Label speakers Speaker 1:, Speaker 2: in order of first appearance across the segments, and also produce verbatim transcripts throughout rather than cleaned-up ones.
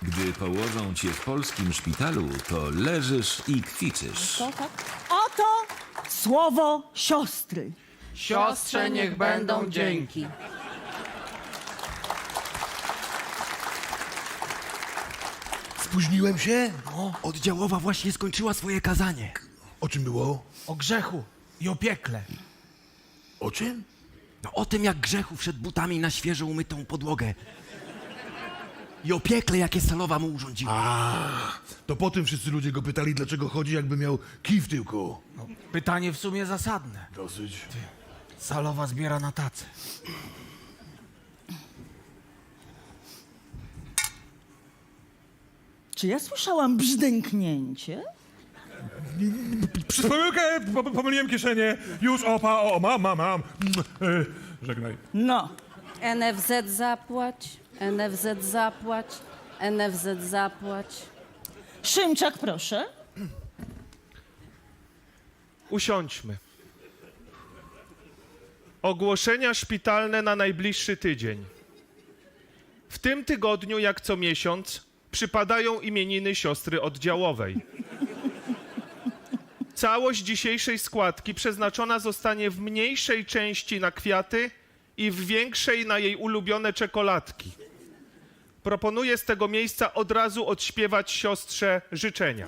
Speaker 1: Gdy położą cię w polskim szpitalu, to leżysz i kwiczysz.
Speaker 2: To tak?
Speaker 3: Oto słowo siostry.
Speaker 2: Siostrze niech będą dzięki.
Speaker 4: Spóźniłem się?
Speaker 5: O, oddziałowa właśnie skończyła swoje kazanie.
Speaker 4: O czym było?
Speaker 6: O grzechu i o piekle.
Speaker 4: O czym?
Speaker 5: No o tym, jak grzechu wszedł butami na świeżo umytą podłogę. I o piekle, jakie Salowa mu urządziła.
Speaker 4: A, to po tym wszyscy ludzie go pytali, dlaczego chodzi, jakby miał kij w tyłku.
Speaker 6: No, pytanie w sumie zasadne.
Speaker 4: Dosyć.
Speaker 6: Salowa zbiera na tacę.
Speaker 3: Czy ja słyszałam brzdęknięcie?
Speaker 7: Przez pomyłkę po- pomyliłem kieszenie. Już, opa, o, mam, mam, mam. E, żegnaj.
Speaker 3: No,
Speaker 2: N F Z zapłać, N F Z zapłać, N F Z zapłać.
Speaker 3: Szymczak, proszę.
Speaker 8: Usiądźmy. Ogłoszenia szpitalne na najbliższy tydzień. W tym tygodniu, jak co miesiąc, przypadają imieniny siostry oddziałowej. Całość dzisiejszej składki przeznaczona zostanie w mniejszej części na kwiaty i w większej na jej ulubione czekoladki. Proponuję z tego miejsca od razu odśpiewać siostrze życzenia.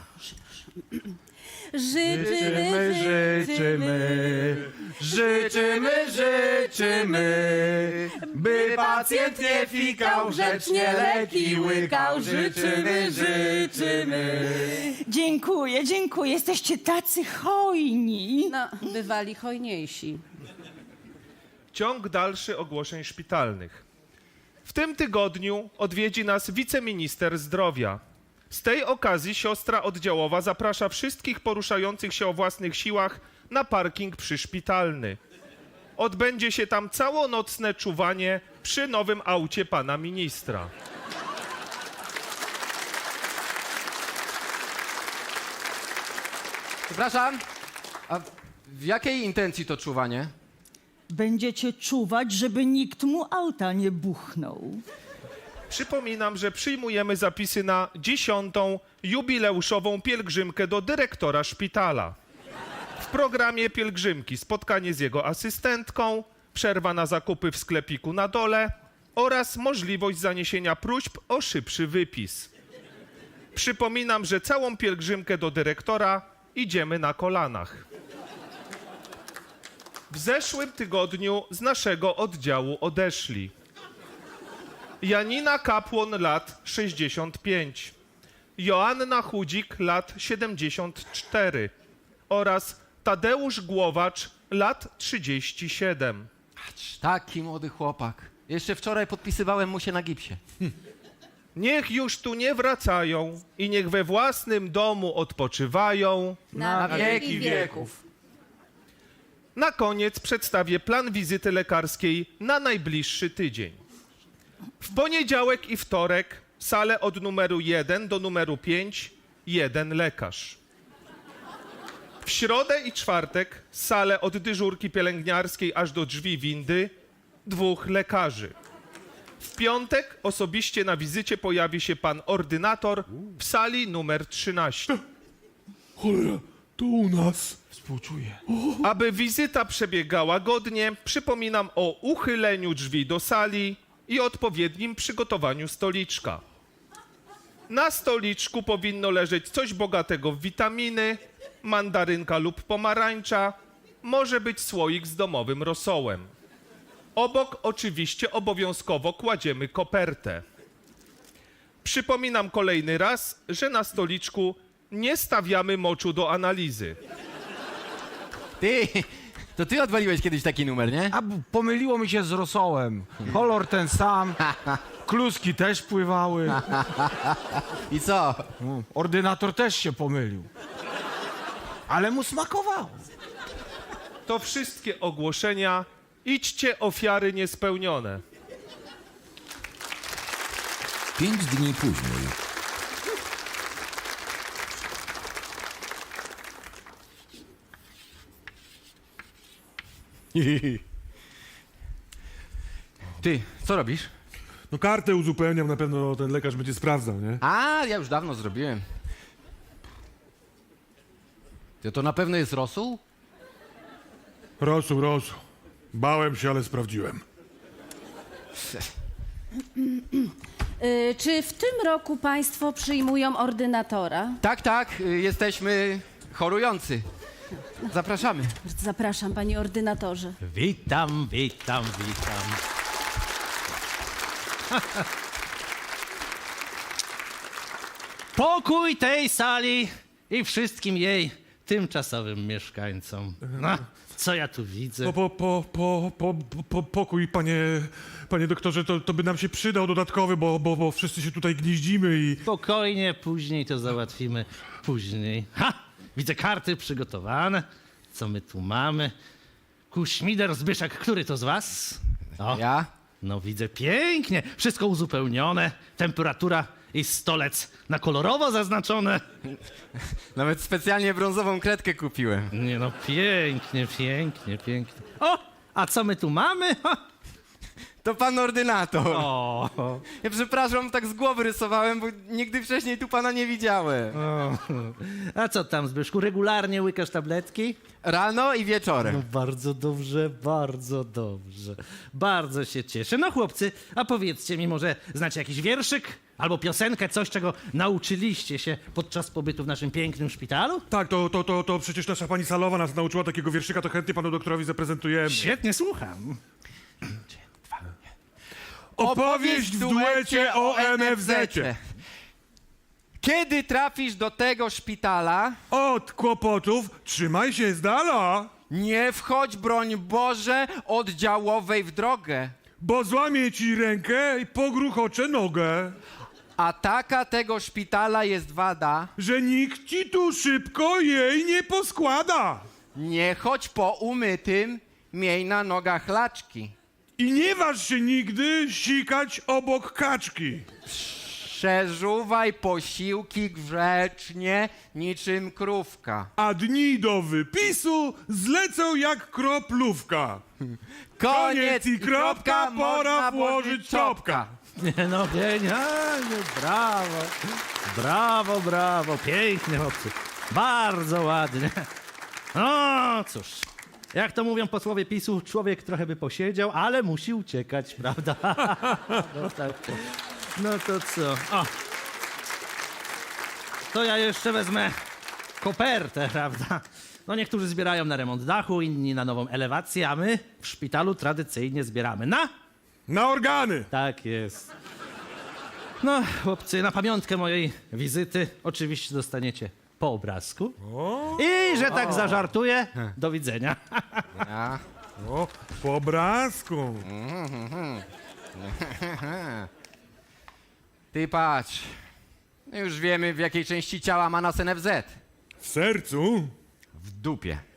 Speaker 2: Życzymy, życzymy,
Speaker 6: życzymy, życzymy, by pacjent nie fikał, grzecznie leki łykał. Życzymy, życzymy.
Speaker 3: Dziękuję, dziękuję. Jesteście tacy hojni.
Speaker 2: No, bywali hojniejsi.
Speaker 8: Ciąg dalszy ogłoszeń szpitalnych. W tym tygodniu odwiedzi nas wiceminister zdrowia. Z tej okazji siostra oddziałowa zaprasza wszystkich poruszających się o własnych siłach na parking przyszpitalny. Odbędzie się tam całonocne czuwanie przy nowym aucie pana ministra.
Speaker 9: Przepraszam, a w jakiej intencji to czuwanie?
Speaker 3: Będziecie czuwać, żeby nikt mu auta nie buchnął.
Speaker 8: Przypominam, że przyjmujemy zapisy na dziesiątą jubileuszową pielgrzymkę do dyrektora szpitala. W programie pielgrzymki spotkanie z jego asystentką, przerwa na zakupy w sklepiku na dole oraz możliwość zaniesienia próśb o szybszy wypis. Przypominam, że całą pielgrzymkę do dyrektora idziemy na kolanach. W zeszłym tygodniu z naszego oddziału odeszli Janina Kapłon, lat sześćdziesiąt pięć, Joanna Chudzik, lat siedemdziesiąt cztery oraz Tadeusz Głowacz, lat trzydzieści siedem.
Speaker 9: Taki młody chłopak. Jeszcze wczoraj podpisywałem mu się na gipsie.
Speaker 8: Niech już tu nie wracają i niech we własnym domu odpoczywają.
Speaker 2: Na
Speaker 6: wieki wieków.
Speaker 8: Na koniec przedstawię plan wizyty lekarskiej na najbliższy tydzień. W poniedziałek i wtorek salę od numeru jeden do numeru pięć, jeden lekarz. W środę i czwartek salę od dyżurki pielęgniarskiej aż do drzwi windy, dwóch lekarzy. W piątek osobiście na wizycie pojawi się pan ordynator w sali numer trzynaście.
Speaker 7: Cholera, to u nas.
Speaker 6: Współczuję.
Speaker 8: Aby wizyta przebiegała godnie, przypominam o uchyleniu drzwi do sali i odpowiednim przygotowaniu stoliczka. Na stoliczku powinno leżeć coś bogatego w witaminy, mandarynka lub pomarańcza, może być słoik z domowym rosołem. Obok oczywiście obowiązkowo kładziemy kopertę. Przypominam kolejny raz, że na stoliczku nie stawiamy moczu do analizy.
Speaker 9: Ty, to ty odwaliłeś kiedyś taki numer, nie?
Speaker 6: A b- pomyliło mi się z rosołem. Kolor ten sam, kluski też pływały.
Speaker 9: I co?
Speaker 6: No, ordynator też się pomylił. Ale mu smakowało.
Speaker 8: To wszystkie ogłoszenia. Idźcie, ofiary niespełnione.
Speaker 1: Pięć dni później.
Speaker 9: Ty, co robisz?
Speaker 7: No kartę uzupełniam, na pewno ten lekarz będzie sprawdzał, nie?
Speaker 9: A, ja już dawno zrobiłem. To, to na pewno jest rosół?
Speaker 7: Rosół, rosół. Bałem się, ale sprawdziłem.
Speaker 2: Y, czy w tym roku państwo przyjmują ordynatora?
Speaker 9: Tak, tak, y, jesteśmy chorujący. Zapraszamy.
Speaker 2: Zapraszam, panie ordynatorze.
Speaker 10: Witam, witam, witam. Pokój tej sali i wszystkim jej tymczasowym mieszkańcom. No, co ja tu widzę?
Speaker 7: Po, po, po, po, po, po, pokój, panie, panie doktorze, to, to by nam się przydał dodatkowy, bo, bo, bo wszyscy się tutaj gnieździmy i...
Speaker 10: Spokojnie, później to załatwimy. Później. Ha! Widzę karty przygotowane. Co my tu mamy? Kuśmider, Zbyszek, który to z was? O,
Speaker 9: Ja?
Speaker 10: no widzę pięknie. Wszystko uzupełnione. Temperatura i stolec na kolorowo zaznaczone.
Speaker 9: Nawet specjalnie brązową kredkę kupiłem.
Speaker 10: Nie no, pięknie, pięknie, pięknie. O, a co my tu mamy? Ha!
Speaker 9: To pan ordynator.
Speaker 10: O,
Speaker 9: Ja przepraszam, tak z głowy rysowałem, bo nigdy wcześniej tu pana nie widziałem.
Speaker 10: o. A co tam, Zbyszku, regularnie łykasz tabletki?
Speaker 9: Rano i wieczorem.
Speaker 10: No bardzo dobrze, bardzo dobrze. Bardzo się cieszę. No chłopcy, a powiedzcie mi, może znacie jakiś wierszyk albo piosenkę, coś czego nauczyliście się podczas pobytu w naszym pięknym szpitalu?
Speaker 7: Tak, to, to, to, to przecież nasza pani Salowa nas nauczyła takiego wierszyka, to chętnie panu doktorowi zaprezentujemy.
Speaker 10: Świetnie, słucham.
Speaker 7: Opowieść w duecie o en ef zecie.
Speaker 9: Kiedy trafisz do tego szpitala,
Speaker 7: Od kłopotów trzymaj się z dala,
Speaker 9: nie wchodź, broń Boże, oddziałowej w drogę.
Speaker 7: bo złamie ci rękę i pogruchocze nogę,
Speaker 9: A taka tego szpitala jest wada.
Speaker 7: że nikt ci tu szybko jej nie poskłada.
Speaker 9: Nie chodź po umytym, miej na nogach laczki.
Speaker 7: I nie waż się nigdy sikać obok kaczki.
Speaker 9: Przeżuwaj posiłki grzecznie, niczym krówka.
Speaker 7: A dni do wypisu zlecą jak kroplówka.
Speaker 9: Koniec
Speaker 7: i kropka, pora włożyć czopka.
Speaker 10: Nie no, genialnie, brawo. Brawo, brawo, pięknie, chłopcy. Bardzo ładnie. No cóż, jak to mówią posłowie PiSu, człowiek trochę by posiedział, ale musi uciekać, prawda? No tak. No to co? O. To ja jeszcze wezmę kopertę, prawda? No niektórzy zbierają na remont dachu, inni na nową elewację, a my w szpitalu tradycyjnie zbieramy na...
Speaker 7: Na organy.
Speaker 10: Tak jest. No, chłopcy, na pamiątkę mojej wizyty oczywiście dostaniecie po obrazku. I, że tak zażartuję, do widzenia.
Speaker 9: Ja.
Speaker 7: O, po obrazku.
Speaker 9: Ty patrz, już wiemy, w jakiej części ciała ma nas en ef zet.
Speaker 7: W sercu.
Speaker 9: W dupie.